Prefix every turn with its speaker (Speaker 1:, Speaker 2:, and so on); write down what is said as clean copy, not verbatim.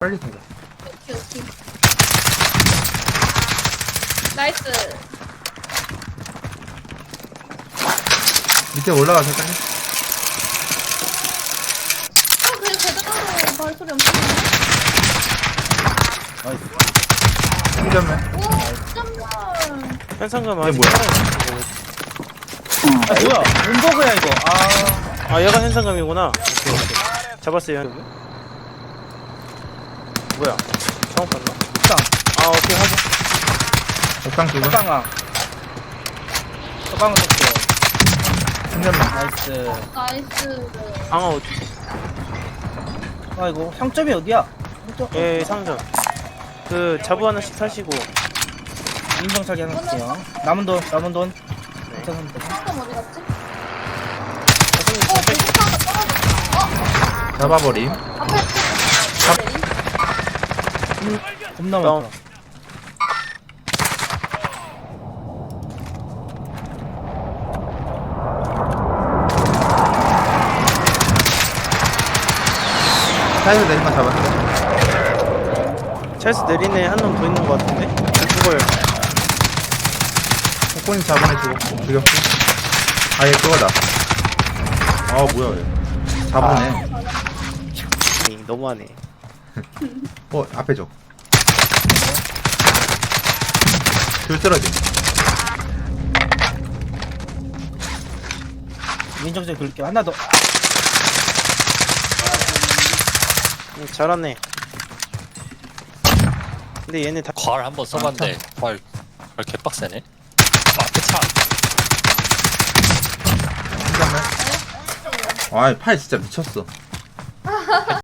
Speaker 1: 빨리 타자.
Speaker 2: 오케이, 오케이. 나이스.
Speaker 1: 밑에 올라가서 빨리.
Speaker 2: 그래, 제대로 발소리 엄청
Speaker 1: 충전면.
Speaker 2: 오, 깜짝이야.
Speaker 3: 현상금
Speaker 1: 이게
Speaker 3: 아직
Speaker 1: 뭐야?
Speaker 3: 살아있어.
Speaker 4: 아 뭐야 문버그야 이거.
Speaker 3: 아 얘가 현상금이구나. 오케이 오케이. 잡았어요. 뭐야? 잘못 봤나?
Speaker 4: 옥상
Speaker 3: 아 오케이 하자.
Speaker 1: 옥상 두 번.
Speaker 4: 옥상아. 서방은 떴어.
Speaker 1: 충전면.
Speaker 4: 나이스.
Speaker 2: 나이스.
Speaker 3: 앙아 어디?
Speaker 4: 아이고 상점이 어디야? 상점.
Speaker 3: 예 상점. 그 자부 하나씩 사시고.
Speaker 4: 인정차기 하나 할게요. 남은 돈
Speaker 3: 네.
Speaker 2: 상점 어디 갔지?
Speaker 3: 선생님
Speaker 2: 어,
Speaker 3: 선택.
Speaker 2: 배고파가 떨어졌어.
Speaker 1: 잡아버림.
Speaker 2: 앞에 내림.
Speaker 4: 겁나
Speaker 3: 다운.
Speaker 4: 많다.
Speaker 1: 차에서 내린 거 잡았어.
Speaker 3: 차에서 내리네 한 놈 더 있는 것 같은데. 죽어요.
Speaker 1: 코코님 잡은 애 죽였고. 아얘 그거다. 아 뭐야 얘. 잡은 애.
Speaker 3: 너무하네.
Speaker 1: 앞에 줘. 줄 쓰러짐.
Speaker 4: 인정차기 긁게 하나 더.
Speaker 3: 잘하네. 근데 얘네 다
Speaker 5: 괄 한번 써봤는데 괄 개빡세네. 앞에 차.
Speaker 1: 충전면. 아이 팔 진짜 미쳤어.